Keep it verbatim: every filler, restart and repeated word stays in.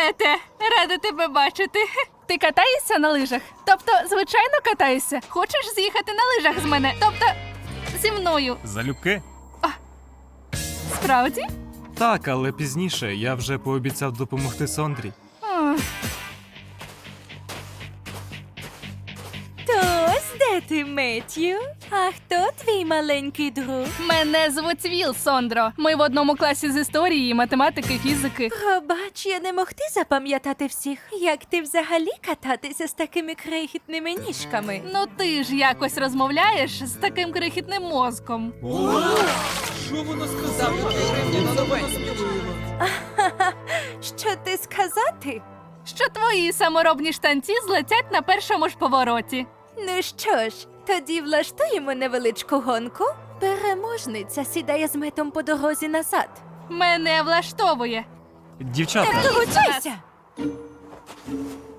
Мете, рада тебе бачити. Ти катаєшся на лижах? Тобто, звичайно, катаєшся? Хочеш з'їхати на лижах з мене? Тобто, зі мною? Залюбки? Справді? Так, але пізніше я вже пообіцяв допомогти Сондрі. Ах. То ось де ти, Меттью? А хто твій маленький друг? Мене звуть Віл, Сондро. Ми в одному класі з історії, математики, фізики. Пробач, я не могти запам'ятати всіх. Як ти взагалі кататися з такими крихітними ніжками? Ну ти ж якось розмовляєш з таким крихітним мозком. Що ти сказати? Що твої саморобні штанці злетять на першому ж повороті. Ну що ж, тоді влаштуємо невеличку гонку. Переможниця сідає з Метом по дорозі назад. Мене влаштовує. Дівчата, Долучайся!